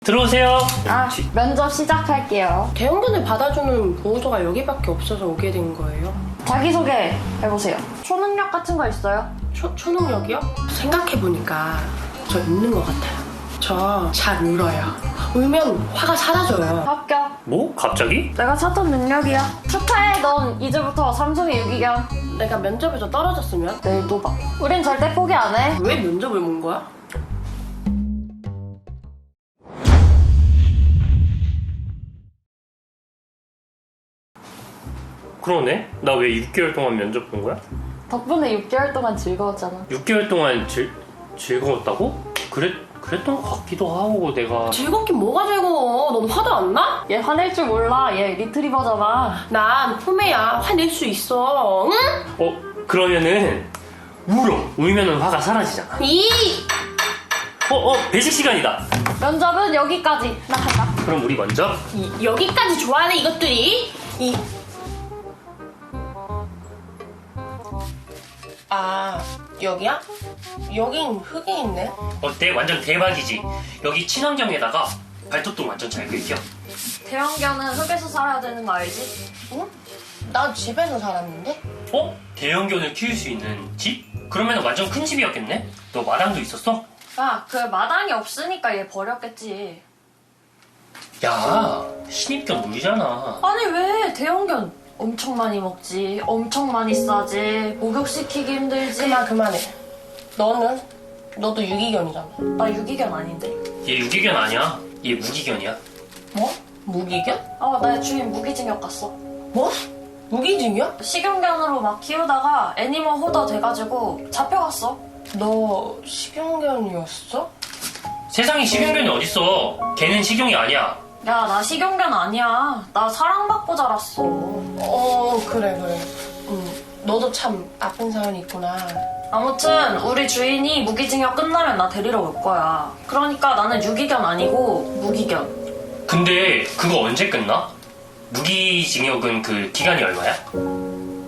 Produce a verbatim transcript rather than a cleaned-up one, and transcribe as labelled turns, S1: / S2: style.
S1: 들어오세요.
S2: 아, 면접 시작할게요.
S3: 대형견을 받아주는 보호소가 여기밖에 없어서 오게 된 거예요.
S2: 자기소개 해보세요. 초능력 같은 거 있어요?
S3: 초, 초능력이요? 생각해보니까 저 있는 것 같아요. 저 잘 울어요. 울면 화가 사라져요.
S2: 합격.
S1: 뭐? 갑자기?
S2: 내가 찾던 능력이야. 축하해, 넌 이제부터 삼성의 유기견.
S3: 내가 면접에서 떨어졌으면
S2: 내일 또 봐. 우린 절대 포기 안 해.
S3: 왜 면접을 본 거야?
S1: 그러네? 나 왜 육 개월 동안 면접 본 거야?
S2: 덕분에 육 개월 동안 즐거웠잖아.
S1: 육 개월 동안 즐, 즐거웠다고? 그랬, 그랬던 것 같기도 하고 내가
S3: 즐겁긴 뭐가 즐거워. 넌 화도 안 나?
S2: 얘 화낼 줄 몰라. 얘 리트리버잖아.
S3: 난 포메야. 화낼 수 있어. 응?
S1: 어? 그러면은 울어! 울면은 화가 사라지잖아.
S3: 이!
S1: 어? 어? 배식 시간이다!
S2: 면접은 여기까지. 나 간다.
S1: 그럼 우리 먼저
S3: 이 여기까지 좋아하네 이것들이. 이 아, 여기야? 여긴 흙이 있네.
S1: 어때? 완전 대박이지? 여기 친환경에다가 발톱도 완전 잘 긁혀.
S2: 대형견은 흙에서 살아야 되는 거 알지?
S3: 응? 나 집에서 살았는데?
S1: 어? 대형견을 키울 수 있는 집? 그러면 완전 큰 집이었겠네? 너 마당도 있었어?
S2: 야, 그 마당이 없으니까 얘 버렸겠지.
S1: 야, 신입견 물잖아.
S2: 아니 왜 대형견 엄청 많이 먹지, 엄청 많이 싸지, 목욕시키기 힘들지.
S3: 그만 그만해. 너는? 너도 유기견이잖아.
S2: 나 유기견 아닌데.
S1: 얘 유기견 아니야. 얘 무기견이야.
S3: 뭐? 무기견?
S2: 아, 나 주인 무기징역 갔어.
S3: 뭐? 무기징역?
S2: 식용견으로 막 키우다가 애니멀 호더 돼가지고 잡혀갔어.
S3: 너 식용견이었어?
S1: 세상에 식용견이 어딨어. 걔는 식용이 아니야.
S2: 야, 나 식용견 아니야. 나 사랑받고 자랐어.
S3: 어 그래 그래. 응. 너도 참 아픈 사연이 있구나.
S2: 아무튼 우리 주인이 무기징역 끝나면 나 데리러 올 거야. 그러니까 나는 유기견 아니고 무기견.
S1: 근데 그거 언제 끝나? 무기징역은 그 기간이 얼마야?